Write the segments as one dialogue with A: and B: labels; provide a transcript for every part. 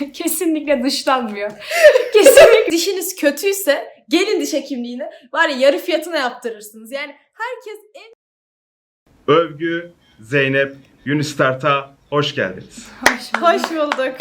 A: Kesinlikle dışlanmıyor. Kesinlikle.
B: Dişiniz kötüyse gelin diş hekimliğine var ya yarı fiyatına yaptırırsınız. Yani herkes
C: Övgü, Zeynep, Unistart'a hoş geldiniz.
B: hoş bulduk.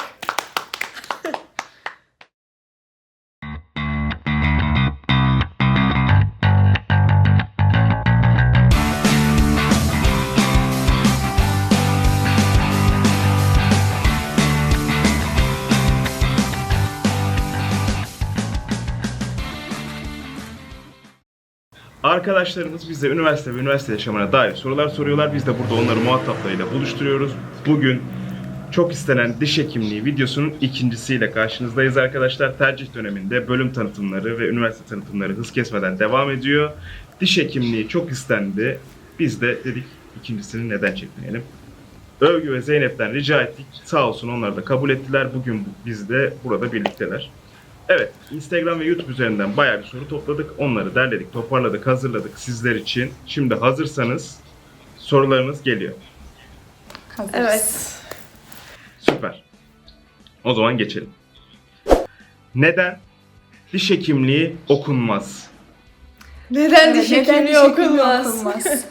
C: Arkadaşlarımız bize üniversite ve üniversite yaşamına dair sorular soruyorlar. Biz de burada onları muhataplarıyla buluşturuyoruz. Bugün çok istenen diş hekimliği videosunun ikincisiyle karşınızdayız arkadaşlar. Tercih döneminde bölüm tanıtımları ve üniversite tanıtımları hız kesmeden devam ediyor. Diş hekimliği çok istendi. Biz de dedik ikincisini neden çekmeyelim. Övgü ve Zeynep'ten rica ettik. Sağ olsun onlar da kabul ettiler. Bugün biz de burada birlikteler. Evet, Instagram ve YouTube üzerinden bayağı bir soru topladık. Onları derledik, toparladık, hazırladık sizler için. Şimdi hazırsanız sorularınız geliyor.
A: Hazırız.
B: Evet.
C: Süper. O zaman geçelim. Neden diş hekimliği okunmaz?
B: Neden diş
A: Neden
B: hekimliği
A: diş hekimliği
B: okunmaz?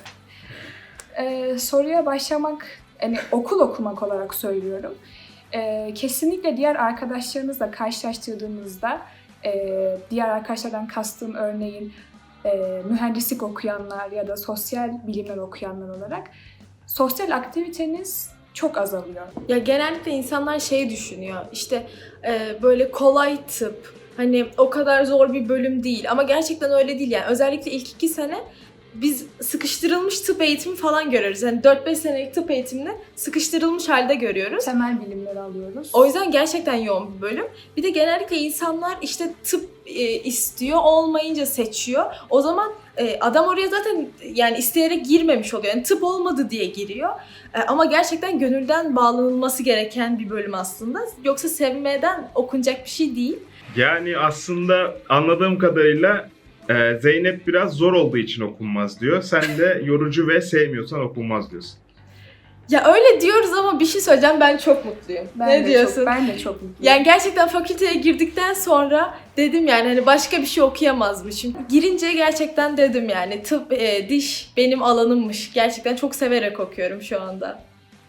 A: Soruya başlamak, yani okul okumak olarak söylüyorum. Kesinlikle diğer arkadaşlarınızla karşılaştırdığınızda, diğer arkadaşlardan kastım örneğin mühendislik okuyanlar ya da sosyal bilimler okuyanlar olarak sosyal aktiviteniz çok azalıyor.
B: Ya genellikle insanlar şey düşünüyor işte böyle kolay tıp hani o kadar zor bir bölüm değil ama gerçekten öyle değil yani özellikle ilk 2 sene biz sıkıştırılmış tıp eğitimi falan görüyoruz. Yani 4-5 senelik tıp eğitimini sıkıştırılmış halde görüyoruz.
A: Temel bilimleri alıyoruz.
B: O yüzden gerçekten yoğun bir bölüm. Bir de genellikle insanlar işte tıp istiyor, olmayınca seçiyor. O zaman adam oraya zaten yani isteyerek girmemiş oluyor. Yani tıp olmadı diye giriyor. Ama gerçekten gönülden bağlanılması gereken bir bölüm aslında. Yoksa sevmeden okunacak bir şey değil.
C: Yani aslında anladığım kadarıyla Zeynep biraz zor olduğu için okunmaz diyor. Sen de yorucu ve sevmiyorsan okunmaz diyorsun.
B: Ya öyle diyoruz ama bir şey söyleyeceğim, ben çok mutluyum. Ne diyorsun?
A: Ben de çok mutluyum.
B: Yani gerçekten fakülteye girdikten sonra dedim yani hani başka bir şey okuyamazmışım. Girince gerçekten dedim yani tıp, diş benim alanımmış. Gerçekten çok severek okuyorum şu anda.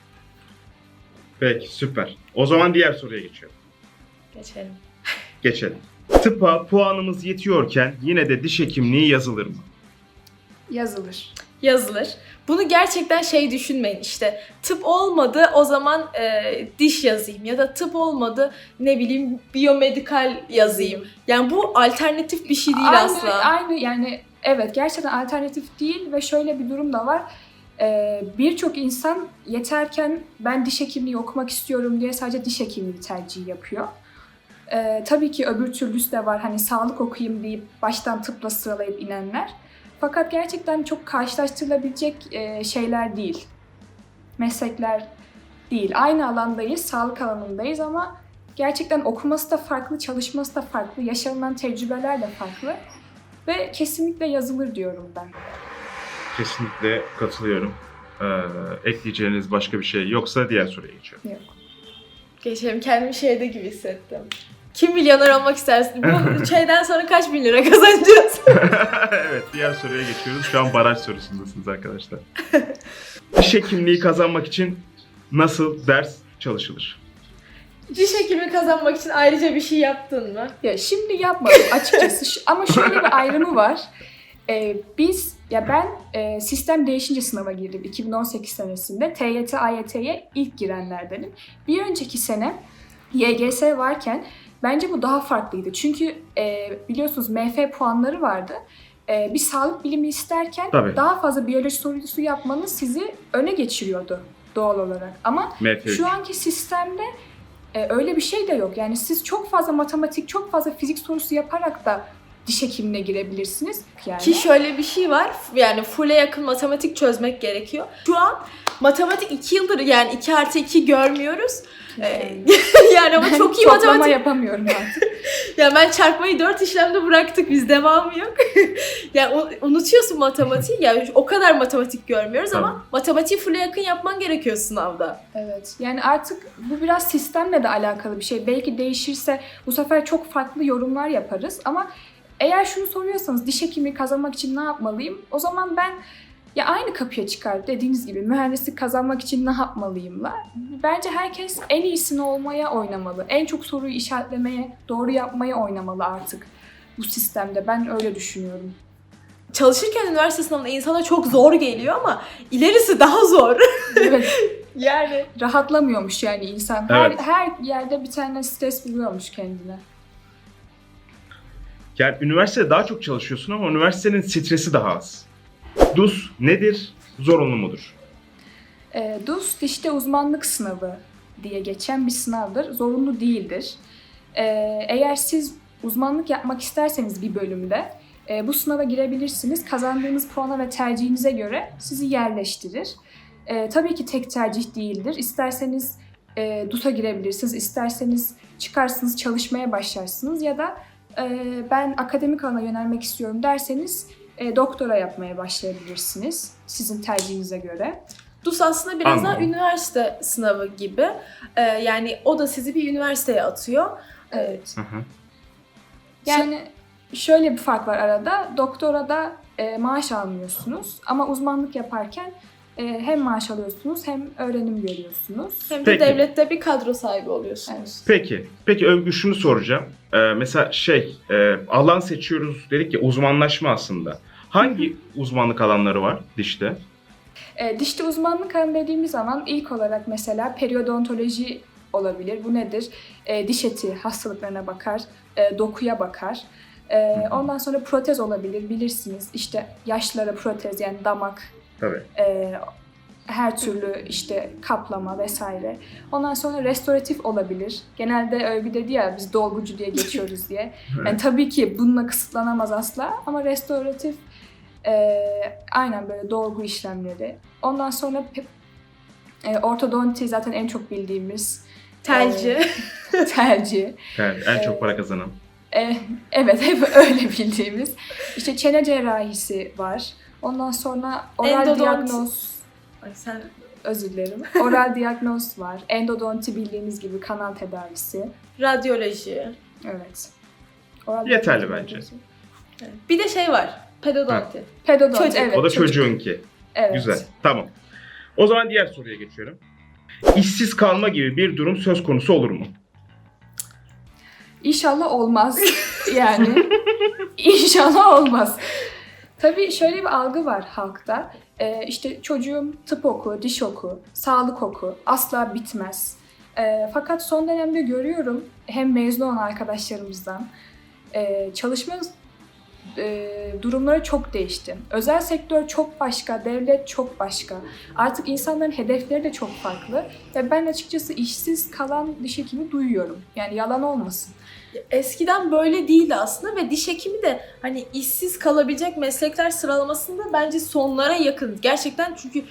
C: Peki, süper. O zaman diğer soruya geçiyorum.
B: Geçelim.
C: Geçelim. Tıpa puanımız yetiyorken yine de diş hekimliği yazılır mı?
A: Yazılır.
B: Yazılır. Bunu gerçekten şey düşünmeyin işte tıp olmadı o zaman diş yazayım ya da tıp olmadı ne bileyim biyomedikal yazayım. Yani bu alternatif bir şey değil asla.
A: Aynı yani evet gerçekten alternatif değil ve şöyle bir durum da var. Birçok insan yeterken ben diş hekimliği okumak istiyorum diye sadece diş hekimliği tercihi yapıyor. Tabii ki öbür türlüsü de var hani sağlık okuyayım deyip baştan tıpla sıralayıp inenler. Fakat gerçekten çok karşılaştırılabilecek şeyler değil. Meslekler değil. Aynı alandayız, sağlık alanındayız ama gerçekten okuması da farklı, çalışması da farklı, yaşanılan tecrübeler de farklı. Ve kesinlikle yazılır diyorum ben.
C: Kesinlikle katılıyorum. Ekleyeceğiniz başka bir şey yoksa diğer soruya geçiyorum.
A: Yok.
B: Geçelim, kendimi şeyde gibi hissettim. Kim milyoner olmak istersin? Bu şeyden sonra kaç bin lira kazanacağız?
C: Evet, diğer soruya geçiyoruz. Şu an baraj sorusundasınız arkadaşlar. Diş hekimliği kazanmak için nasıl ders çalışılır?
B: Diş hekimi kazanmak için ayrıca bir şey yaptın mı?
A: Ya şimdi yapmadım açıkçası ama şöyle bir ayrımı var. Ben sistem değişince sınava girdim 2018 senesinde. TYT, AYT'ye ilk girenlerdenim. Bir önceki sene YGS varken bence bu daha farklıydı. Çünkü biliyorsunuz MF puanları vardı. Bir sağlık bilimi isterken
C: Tabii.
A: daha fazla biyoloji sorusu yapmanız sizi öne geçiriyordu doğal olarak. Ama
C: MF3.
A: şu anki sistemde öyle bir şey de yok. Yani siz çok fazla matematik, çok fazla fizik sorusu yaparak da diş hekimliğine girebilirsiniz. Yani.
B: Ki şöyle bir şey var, yani full'e yakın matematik çözmek gerekiyor. Şu an matematik 2 yıldır yani 2+2 görmüyoruz. Yani ama çok iyi
A: Toplama
B: matematik.
A: yapamıyorum artık.
B: Ya ben çarpmayı 4 işlemde bıraktık, biz devamı yok. Ya unutuyorsun matematiği, ya o kadar matematik görmüyoruz ama
C: Tamam.
B: matematiği full'e yakın yapman gerekiyor sınavda.
A: Evet. Yani artık bu biraz sistemle de alakalı bir şey. Belki değişirse bu sefer çok farklı yorumlar yaparız ama eğer şunu soruyorsanız diş hekimliği kazanmak için ne yapmalıyım? O zaman ben ya aynı kapıya çıkar dediğiniz gibi mühendislik kazanmak için ne yapmalıyımla. Bence herkes en iyisini olmaya oynamalı. En çok soruyu işaretlemeye, doğru yapmaya oynamalı artık bu sistemde. Ben öyle düşünüyorum.
B: Çalışırken üniversite sınavında insana çok zor geliyor ama ilerisi daha zor.
A: Evet.
B: Yani.
A: Rahatlamıyormuş yani insan.
C: Evet.
A: Her yerde bir tane stres buluyormuş kendine.
C: Yani üniversitede daha çok çalışıyorsun ama üniversitenin stresi daha az. DUS nedir? Zorunlu mudur?
A: DUS dişte uzmanlık sınavı diye geçen bir sınavdır. Zorunlu değildir. Eğer siz uzmanlık yapmak isterseniz bir bölümde bu sınava girebilirsiniz. Kazandığınız puana ve tercihinize göre sizi yerleştirir. Tabii ki tek tercih değildir. İsterseniz DUS'a girebilirsiniz, isterseniz çıkarsınız çalışmaya başlarsınız ya da ben akademik alana yönelmek istiyorum derseniz doktora yapmaya başlayabilirsiniz sizin tercihinize göre.
B: DUS aslında biraz daha
C: Anladım.
B: üniversite sınavı gibi. Yani o da sizi bir üniversiteye atıyor.
A: Evet.
C: Hı hı.
A: Yani şöyle bir fark var arada. Doktorada maaş almıyorsunuz ama uzmanlık yaparken hem maaş alıyorsunuz hem öğrenim görüyorsunuz.
B: Hem de
C: Peki.
B: devlette bir kadro sahibi oluyorsunuz.
A: Evet.
C: Peki Övgü şunu soracağım. Mesela alan seçiyoruz dedik ya uzmanlaşma aslında. Hangi uzmanlık alanları var dişte?
A: Dişte uzmanlık alanı dediğimiz zaman ilk olarak mesela periodontoloji olabilir. Bu nedir? Diş eti hastalıklarına bakar, dokuya bakar. Ondan sonra protez olabilir, bilirsiniz. İşte yaşlılara protez yani damak,
C: Tabii.
A: her türlü işte kaplama vesaire. Ondan sonra restoratif olabilir. Genelde Övgü dedi ya biz dolgucu diye geçiyoruz diye. Yani tabii ki bununla kısıtlanamaz asla ama restoratif aynen böyle dolgu işlemleri. Ondan sonra ortodonti zaten en çok bildiğimiz
B: Telci.
A: tercih.
C: Evet, en çok para kazanan.
A: Evet hep öyle bildiğimiz. İşte çene cerrahisi var. Ondan sonra oral
B: Endodonti.
A: diyagnoz,
B: Ay sen
A: özür dilerim. Oral diyagnoz var. Endodonti bildiğiniz gibi kanal tedavisi.
B: radyoloji.
A: Evet. Oral
C: Yeterli
A: diyagnoz,
C: bence.
A: radyoloji.
B: Evet. Bir de şey var. Pedodonti.
A: Pedodonti,
B: Çocuk.
A: evet.
C: O da
A: çocuk.
C: çocuğunki.
A: Evet.
C: Güzel. Tamam. O zaman diğer soruya geçiyorum. İşsiz kalma gibi bir durum söz konusu olur mu?
A: İnşallah olmaz. Yani inşallah olmaz. Tabii şöyle bir algı var halkta. İşte çocuğum tıp oku, diş oku, sağlık oku. Asla bitmez. Fakat son dönemde görüyorum hem mezun olan arkadaşlarımızdan çalışma durumları çok değişti. Özel sektör çok başka, devlet çok başka. Artık insanların hedefleri de çok farklı. Ve ben açıkçası işsiz kalan diş hekimi duyuyorum. Yani yalan olmasın.
B: Eskiden böyle değildi aslında ve diş hekimi de hani işsiz kalabilecek meslekler sıralamasında bence sonlara yakın. Gerçekten çünkü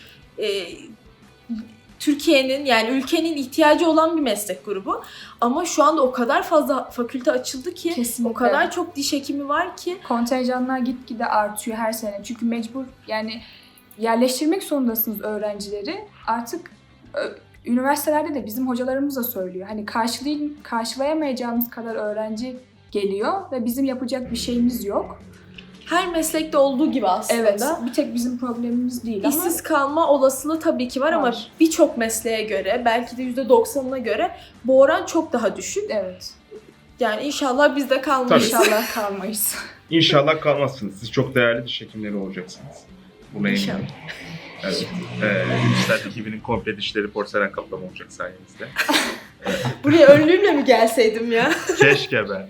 B: Türkiye'nin yani ülkenin ihtiyacı olan bir meslek grubu. Ama şu anda o kadar fazla fakülte açıldı ki
A: Kesinlikle.
B: o kadar çok diş hekimi var ki.
A: Kontenjanlar gitgide artıyor her sene. Çünkü mecbur yani yerleştirmek zorundasınız öğrencileri. Artık üniversitelerde de bizim hocalarımız da söylüyor. Hani karşılayamayacağımız kadar öğrenci geliyor ve bizim yapacak bir şeyimiz yok.
B: Her meslekte olduğu gibi aslında.
A: Evet, bir tek bizim problemimiz değil ama
B: İşsiz kalma olasılığı tabii ki var ama
A: Var.
B: birçok mesleğe göre belki de %90'ına göre bu oran çok daha düşük.
A: evet.
B: Yani inşallah biz de kalmayız.
A: İnşallah kalmayız.
C: İnşallah kalmazsınız. Siz çok değerli diş hekimleri olacaksınız. Buna eminim.
B: İnşallah.
C: Evet. Üniversite ekibinin komple dişleri porselen kaplama olacak sayenizde.
B: Buraya önlüğümle mi gelseydim ya?
C: Keşke ben.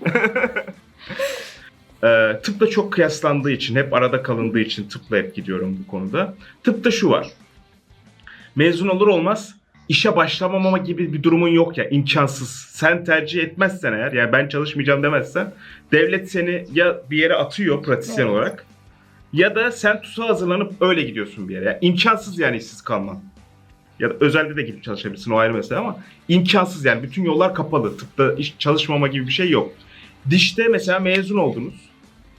C: Tıpla çok kıyaslandığı için, hep arada kalındığı için tıpla hep gidiyorum bu konuda. Tıpta şu var. Mezun olur olmaz işe başlamama gibi bir durumun yok ya, imkansız. Sen tercih etmezsen eğer, yani ben çalışmayacağım demezsen, devlet seni ya bir yere atıyor pratisyen
A: Evet.
C: olarak ya da sen TUS'a hazırlanıp öyle gidiyorsun bir yere. Yani imkansız yani işsiz kalman. Ya da özelde de gidip çalışabilirsin, o ayrı mesele ama imkansız yani, bütün yollar kapalı. Tıpta iş çalışmama gibi bir şey yok. Dişte mesela mezun oldunuz.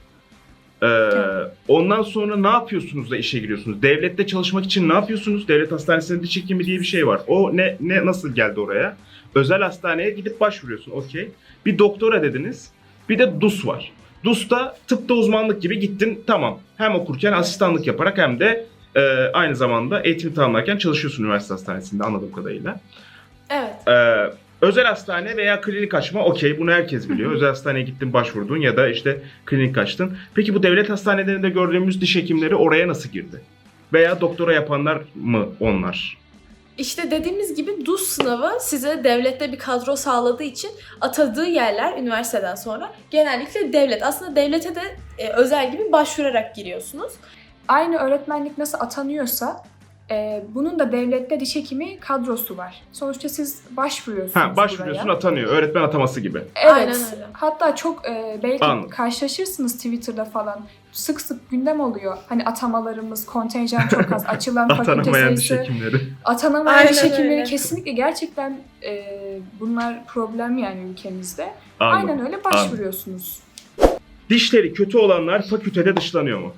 C: Ondan sonra ne yapıyorsunuz da işe giriyorsunuz? Devlette çalışmak için ne yapıyorsunuz? Devlet hastanesinde diş hekimi diye bir şey var. O ne nasıl geldi oraya? Özel hastaneye gidip başvuruyorsun. Okey. Bir doktora dediniz. Bir de DUS var. DUS'ta tıpta uzmanlık gibi gittin. Tamam. Hem okurken asistanlık yaparak hem de aynı zamanda eğitim tamamlarken çalışıyorsun üniversite hastanesinde anladığım kadarıyla.
B: Evet.
C: Özel hastane veya klinik açma okey, bunu herkes biliyor. Özel hastaneye gittin, başvurdun ya da işte klinik açtın. Peki bu devlet hastanelerinde gördüğümüz diş hekimleri oraya nasıl girdi? Veya doktora yapanlar mı onlar?
B: İşte dediğimiz gibi DUS sınavı size devlette bir kadro sağladığı için atadığı yerler üniversiteden sonra genellikle devlet. Aslında devlete de özel gibi başvurarak giriyorsunuz.
A: Aynı öğretmenlik nasıl atanıyorsa bunun da devlette diş hekimi kadrosu var. Sonuçta siz başvuruyorsunuz
C: Başvuruyorsun,
A: buraya.
C: atanıyor. Öğretmen ataması gibi.
A: Evet.
B: Aynen öyle.
A: Hatta çok belki
C: Anladım.
A: karşılaşırsınız Twitter'da falan. Sık sık gündem oluyor. Hani atamalarımız, kontenjan çok az, açılan fakülte
C: Atanamayan diş
A: sayısı.
C: hekimleri.
A: Atanamayan
B: Aynen
A: diş hekimleri
B: öyle.
A: kesinlikle gerçekten bunlar problem yani ülkemizde.
C: Anladım.
A: Aynen öyle başvuruyorsunuz.
C: Dişleri kötü olanlar fakültede dışlanıyor mu?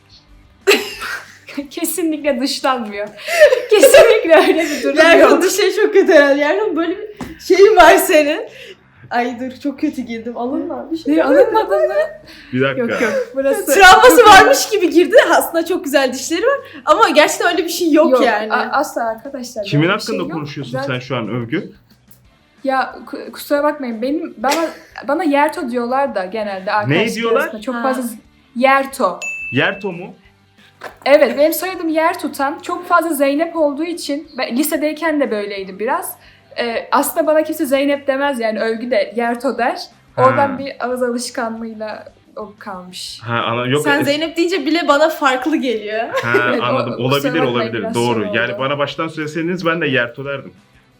A: Kesinlikle dışlanmıyor. Kesinlikle öyle bir durum
B: Yerkon
A: yok.
B: dişleri çok kötü herhalde. Yerkon böyle bir şeyin var senin. Ay dur çok kötü girdim. Alınma bir şey.
A: Ne alınmadın mı?
C: Bir dakika.
A: Yok yok. Burası
B: Travması
A: çok-
B: varmış gibi girdi. Aslında çok güzel dişleri var. Ama gerçekten öyle bir şey yok yani.
A: Asla arkadaşlar.
C: Kimin
A: böyle bir
C: hakkında
A: şey yok.
C: konuşuyorsun
A: Ben-
C: sen şu an Övgü?
A: Ya kusura bakmayın. Bana Yerto diyorlar da genelde arkadaşlar
C: diyorlar?
A: arasında. Çok
B: Ha.
A: fazla Yerto.
C: Yerto mu?
A: Evet, benim soyadım Yer tutan. Çok fazla Zeynep olduğu için ben lisedeyken de böyleydi biraz. Aslında bana kimse Zeynep demez yani Övgü de Yerto der. Oradan
C: Ha.
A: bir ağız alışkanlığıyla o kalmış.
C: Yok.
B: Sen Zeynep deyince bile bana farklı geliyor.
A: Evet,
C: Anladım.
A: kusura
C: Olabilir
A: bakmayın,
C: olabilir.
A: biraz
C: Doğru.
A: şey oldu.
C: Yani bana baştan söyleseniz ben de Yerto derdim.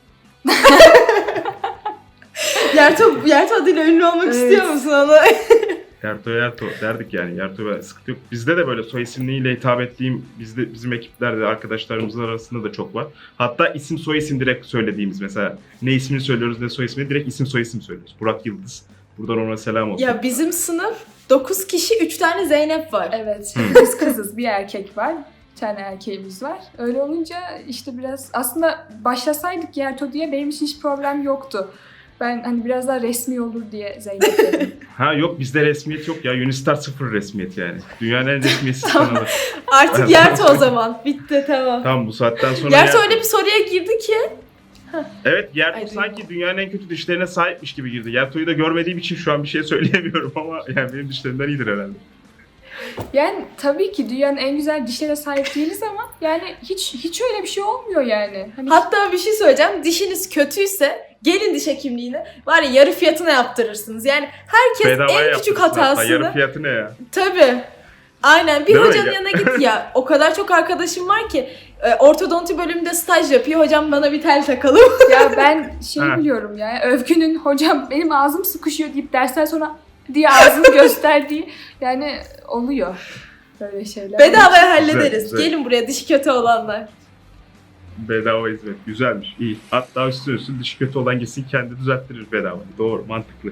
B: Yerto adıyla ünlü olmak
A: Evet.
B: istiyor musun onu?
C: Yerto derdik yani. Yerto ve sıkıntı yok. Bizde de böyle soy isimliğiyle hitap ettiğim bizim ekiplerde arkadaşlarımızın arasında da çok var. Hatta isim soy isim direkt söylediğimiz mesela ne ismini söylüyoruz ne soy ismini direkt isim soy isim söylüyoruz. Burak Yıldız. Buradan ona selam olsun.
B: Ya bizim sınıf 9 kişi 3 tane Zeynep var.
A: Evet,
C: Hı.
A: biz kızız, bir erkek var. Bir tane erkeğimiz var. Öyle olunca işte biraz aslında başlasaydık Yerto diye benim için hiç problem yoktu. Ben hani biraz daha resmi olur diye Zeynep dedim.
C: Yok bizde resmiyet yok ya. Unistar 0 resmiyet yani. Dünyanın en resmiyetsiz kanalı.
B: Artık Yerto o zaman. Bitti tamam.
C: Tamam bu saatten sonra
B: Yerto öyle bir soruya girdi ki.
C: Evet Yerto
B: Ay,
C: sanki dünyanın en kötü dişlerine sahipmiş gibi girdi. Yerto'yu da görmediğim için şu an bir şey söyleyemiyorum ama yani benim dişlerimden iyidir herhalde.
A: Yani tabii ki dünyanın en güzel dişlere sahip değiliz ama yani hiç öyle bir şey olmuyor yani. Hani
B: Hatta bir şey söyleyeceğim. Dişiniz kötüyse gelin diş hekimliğine var ya yarı fiyatına yaptırırsınız. Yani herkes
C: Bedavaya
B: en küçük
C: yaptırsın hatta. Yarı
B: hatasını.
C: fiyatı ne ya?
B: Tabii. Aynen. Bir
C: Değil mi
B: hocanın
C: ya?
B: yanına git ya. O kadar çok arkadaşım var ki ortodonti bölümünde staj yapıyor. Hocam bana bir tel takalım.
A: ya ben şey
C: Ha.
A: biliyorum ya Övgü'nün hocam benim ağzım sıkışıyor deyip dersten sonra diye ağzını gösterdiği yani oluyor böyle şeyler.
B: Bedavaya hallederiz.
C: güzel.
B: Gelin buraya dişi kötü olanlar.
C: Bedava hizmet. Güzelmiş. İyi. Hatta üstüne dişi kötü olan gitsin kendi düzelttirir bedava. Doğru. Mantıklı.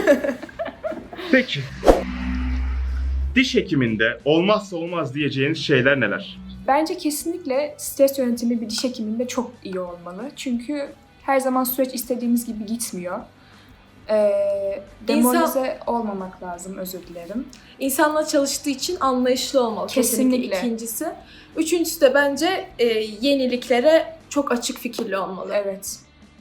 C: Peki. Diş hekiminde olmazsa olmaz diyeceğiniz şeyler neler?
A: Bence kesinlikle stres yönetimi bir diş hekiminde çok iyi olmalı. Çünkü her zaman süreç istediğimiz gibi gitmiyor. Demoralize olmamak lazım, özür dilerim.
B: İnsanla çalıştığı için anlayışlı olmalı.
A: Kesinlikle.
B: İkincisi. Üçüncüsü de bence yeniliklere çok açık fikirli olmalı.
A: Evet.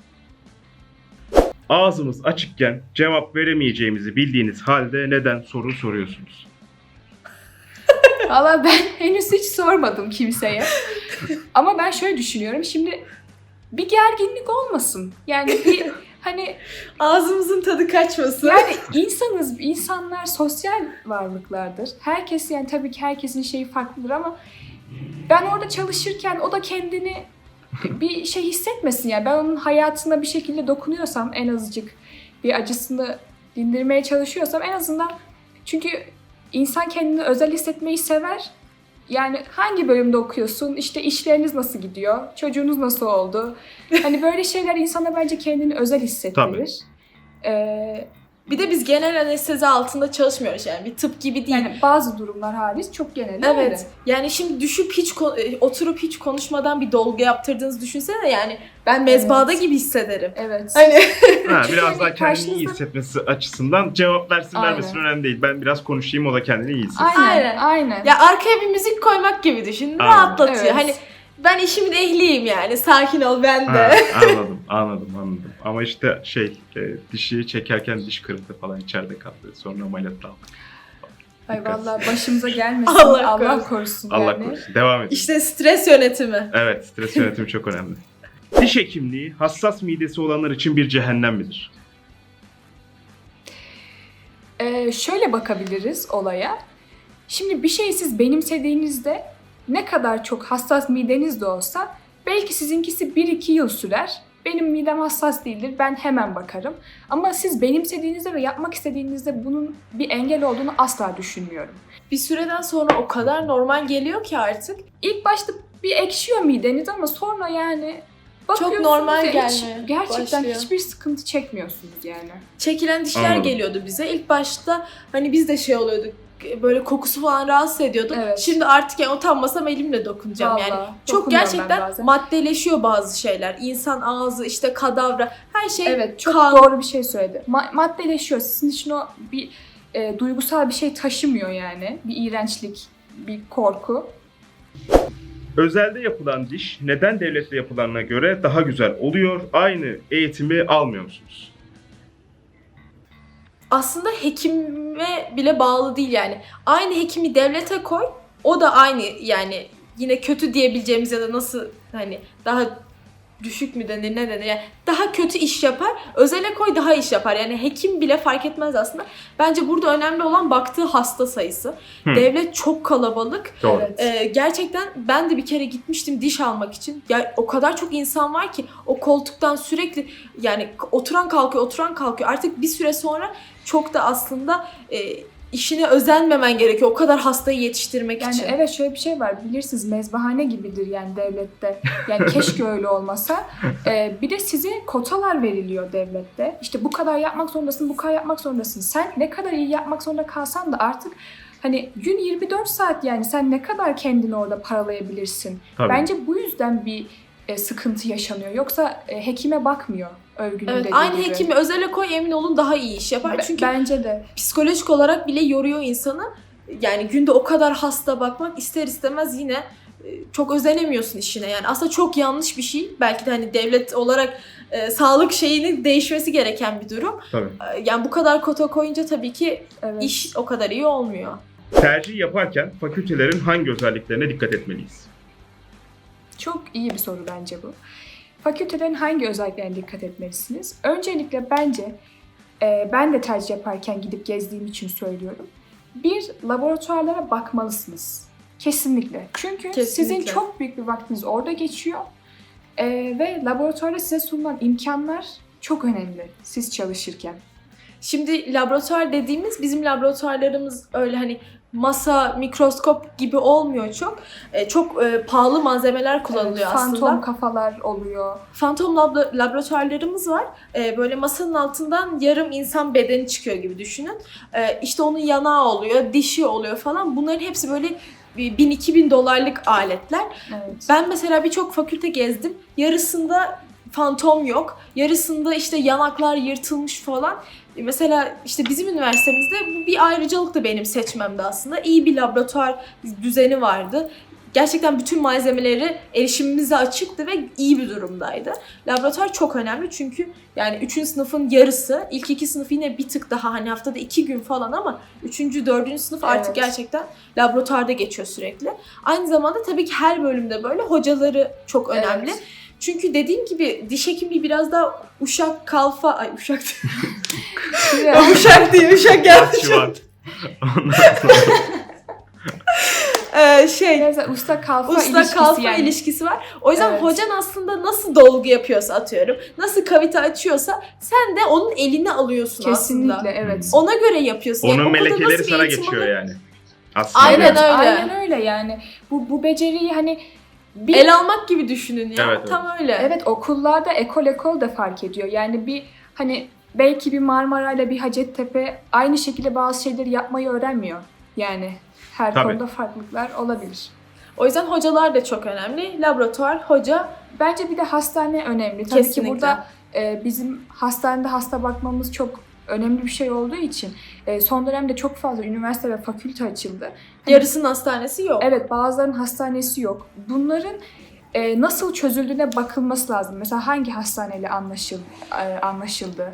C: Ağzımız açıkken cevap veremeyeceğimizi bildiğiniz halde neden soru soruyorsunuz?
A: Valla ben henüz hiç sormadım kimseye. Ama ben şöyle düşünüyorum. Şimdi bir gerginlik olmasın. Yani bir hani
B: Ağzımızın tadı kaçmasın.
A: yani insanlar sosyal varlıklardır. Herkes yani tabii ki herkesin şeyi farklıdır ama ben orada çalışırken o da kendini bir şey hissetmesin yani. Ben onun hayatına bir şekilde dokunuyorsam en azıcık bir acısını dindirmeye çalışıyorsam en azından çünkü insan kendini özel hissetmeyi sever. Yani hangi bölümde okuyorsun, işte işleriniz nasıl gidiyor, çocuğunuz nasıl oldu? Hani böyle şeyler insana bence kendini özel hissettirir.
B: Bir de biz genel anestezi altında çalışmıyoruz yani bir tıp gibi değil.
A: Yani bazı durumlar hariç çok genel öyle.
B: Evet. Yani şimdi düşüp oturup hiç konuşmadan bir dolgu yaptırdığınızı düşünsene yani ben mezbahada gibi hissederim.
A: Evet.
B: Hani
C: Biraz daha kendini iyi
A: karşınızda-
C: hissetmesi açısından cevap versin
A: Aynen.
C: vermesin önemli değil. Ben biraz konuşayım, o da kendini iyi hissetsin.
A: Aynen. Aynen.
B: ya arkaya bir müzik koymak gibi düşün.
C: Aynen.
B: Rahatlatıyor.
A: Evet.
B: Hani ben işimin ehliyim yani. Sakin ol ben de.
C: Ha, anladım. Ama işte dişi çekerken diş kırıldı falan, içeride kaldı. Sonra ameliyatla aldık.
A: Ay
C: Dikkat.
A: vallahi başımıza gelmesin.
B: Allah
A: Allah,
B: korusun.
A: korusun
C: Allah
A: yani.
C: korusun. Devam edelim.
B: İşte stres yönetimi.
C: Evet, stres yönetimi çok önemli. Diş hekimliği hassas midesi olanlar için bir cehennem midir?
A: Şöyle bakabiliriz olaya. Şimdi bir şeyi siz benimsediğinizde ne kadar çok hassas mideniz de olsa belki sizinkisi 1-2 yıl sürer. Benim midem hassas değildir, ben hemen bakarım. Ama siz benimsediğinizde ve yapmak istediğinizde bunun bir engel olduğunu asla düşünmüyorum.
B: Bir süreden sonra o kadar normal geliyor ki artık.
A: İlk başta bir ekşiyor mideniz ama sonra yani bakıyorsunuz
B: normal
A: ve
B: gelmeye
A: gerçekten
B: başlıyor.
A: hiçbir sıkıntı çekmiyorsunuz yani.
B: Çekilen dişler
C: Anladım.
B: geliyordu bize. İlk başta hani biz de şey oluyorduk. Böyle kokusu falan rahatsız ediyordu.
A: Evet.
B: Şimdi artık yani utanmasam elimle dokunacağım yani.
A: Vallahi
B: Çok
A: dokunuyorum ben
B: gerçekten
A: bazen.
B: maddeleşiyor bazı şeyler. İnsan ağzı, işte kadavra, her şey
A: Evet, çok
B: kan.
A: doğru bir şey söyledi. Maddeleşiyor. Sizin için o bir duygusal bir şey taşımıyor yani. Bir iğrençlik, bir korku.
C: Özelde yapılan diş neden devlette yapılanına göre daha güzel oluyor? Aynı eğitimi almıyor musunuz?
B: Aslında hekime bile bağlı değil yani. Aynı hekimi devlete koy, o da aynı yani yine kötü diyebileceğimiz ya da nasıl hani daha düşük mü denir ne denir yani daha kötü iş yapar. Özele koy daha iş yapar. Yani hekim bile fark etmez aslında. Bence burada önemli olan baktığı hasta sayısı. Devlet çok kalabalık.
C: Doğru.
A: Evet.
B: Gerçekten ben de bir kere gitmiştim diş almak için. Ya o kadar çok insan var ki o koltuktan sürekli yani oturan kalkıyor. Artık bir süre sonra çok da aslında işine özenmemen gerekiyor. O kadar hastayı yetiştirmek
A: Yani
B: için.
A: evet şöyle bir şey var. Bilirsiniz mezbahane gibidir yani devlette. Yani keşke öyle olmasa. Bir de size kotalar veriliyor devlette. İşte bu kadar yapmak zorundasın, bu kadar yapmak zorundasın. Sen ne kadar iyi yapmak zorunda kalsan da artık hani gün 24 saat yani sen ne kadar kendini orada paralayabilirsin.
C: Tabii.
A: Bence bu yüzden bir sıkıntı yaşanıyor. Yoksa hekime bakmıyor övgünün
B: Evet,
A: dediği
B: aynı
A: gibi.
B: hekimi özele koy emin olun daha iyi iş yapar. Çünkü
A: Bence de.
B: psikolojik olarak bile yoruyor insanı. Yani günde o kadar hasta bakmak ister istemez yine çok özenemiyorsun işine. Yani aslında çok yanlış bir şey. Belki de hani devlet olarak sağlık şeyinin değişmesi gereken bir durum.
C: Tabii.
B: Yani bu kadar kota koyunca tabii ki
A: Evet.
B: iş o kadar iyi olmuyor.
C: Tercih yaparken fakültelerin hangi özelliklerine dikkat etmeliyiz?
A: Çok iyi bir soru bence bu. Fakültelerin hangi özelliklerine dikkat etmelisiniz? Öncelikle bence ben de tercih yaparken gidip gezdiğim için söylüyorum. Bir, laboratuvarlara bakmalısınız. Kesinlikle. Çünkü
B: Kesinlikle.
A: sizin çok büyük bir vaktiniz orada geçiyor. Ve laboratuvarda size sunulan imkanlar çok önemli siz çalışırken.
B: Şimdi laboratuvar dediğimiz bizim laboratuvarlarımız öyle hani masa, mikroskop gibi olmuyor çok. Çok pahalı malzemeler kullanılıyor aslında.
A: Fantom kafalar oluyor.
B: Fantom laboratuvarlarımız var. Böyle masanın altından yarım insan bedeni çıkıyor gibi düşünün. İşte onun yanağı oluyor, dişi oluyor falan. Bunların hepsi böyle 1000-2000 dolarlık aletler.
A: Evet.
B: Ben mesela birçok fakülte gezdim. Yarısında fantom yok. Yarısında işte yanaklar yırtılmış falan. Mesela işte bizim üniversitemizde bu bir ayrıcalıktı benim seçmemde aslında. İyi bir laboratuvar düzeni vardı. Gerçekten bütün malzemeleri erişimimize açıktı ve iyi bir durumdaydı. Laboratuvar çok önemli çünkü yani 3. sınıfın yarısı, ilk 2 sınıf yine bir tık daha hani haftada 2 gün falan ama 3. 4. sınıf artık
A: Evet.
B: gerçekten laboratuvarda geçiyor sürekli. Aynı zamanda tabii ki her bölümde böyle hocaları çok önemli.
A: Evet.
B: Çünkü dediğim gibi diş hekimliği biraz daha uşak kalfa, uşak uşak değil, uşak geldi.
C: Şubat. Ondan sonra
A: Mesela usta kalfa
B: usta
A: ilişkisi
B: kalfa
A: yani.
B: ilişkisi var. O yüzden
A: Evet.
B: hocan aslında nasıl dolgu yapıyorsa atıyorum, nasıl kavite açıyorsa sen de onun elini alıyorsun
A: Kesinlikle
B: aslında.
A: evet.
B: Ona göre yapıyorsun. Yani
C: onun
B: okulda
C: melekeleri
B: nasıl bir
C: sana
B: eğitim
C: geçiyor
B: alır?
C: yani. Aslında
B: Aynen
A: Evet,
B: öyle.
A: aynen öyle yani. Bu beceriyi hani bir
B: El almak gibi düşünün ya.
C: Evet, evet.
B: Tam öyle.
A: evet okullarda ekol da fark ediyor. Yani bir hani belki bir Marmara ile bir Hacettepe aynı şekilde bazı şeyleri yapmayı öğrenmiyor. Yani her
C: Tabii.
A: konuda farklılıklar olabilir.
B: O yüzden hocalar da çok önemli. Laboratuvar, hoca
A: Bence bir de hastane önemli. Tabii
B: Kesinlikle.
A: ki burada bizim hastanede hasta bakmamız çok önemli bir şey olduğu için son dönemde çok fazla üniversite ve fakülte açıldı. Hani
B: yarısının hastanesi yok.
A: evet, bazılarının hastanesi yok. Bunların nasıl çözüldüğüne bakılması lazım. Mesela hangi hastaneyle anlaşıldı?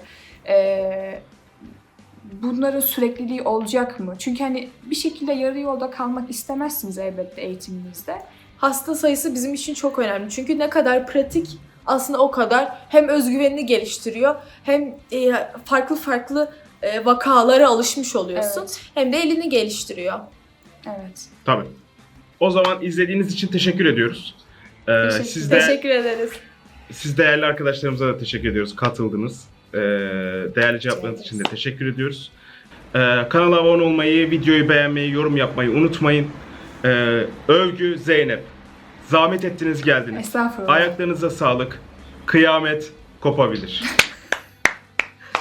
A: Bunların sürekliliği olacak mı? Çünkü hani bir şekilde yarı yolda kalmak istemezsiniz elbette eğitiminizde.
B: Hasta sayısı bizim için çok önemli. Çünkü ne kadar pratik aslında o kadar hem özgüvenini geliştiriyor hem farklı farklı vakalara alışmış oluyorsun.
A: Evet.
B: Hem de elini geliştiriyor.
A: Evet.
C: Tabii. O zaman izlediğiniz için teşekkür ediyoruz.
A: Teşekkür-
B: Teşekkür ederiz.
C: Siz değerli arkadaşlarımıza da teşekkür ediyoruz. Katıldınız. Değerli cevaplarınız için de teşekkür ediyoruz. Kanala abone olmayı, videoyu beğenmeyi, yorum yapmayı unutmayın. Övgü Zeynep. Zahmet ettiniz geldiniz.
A: Estağfurullah.
C: Ayaklarınıza sağlık. Kıyamet kopabilir.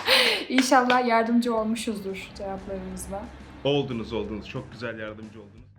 A: İnşallah yardımcı olmuşuzdur cevaplarımızla.
C: Oldunuz. Çok güzel yardımcı oldunuz.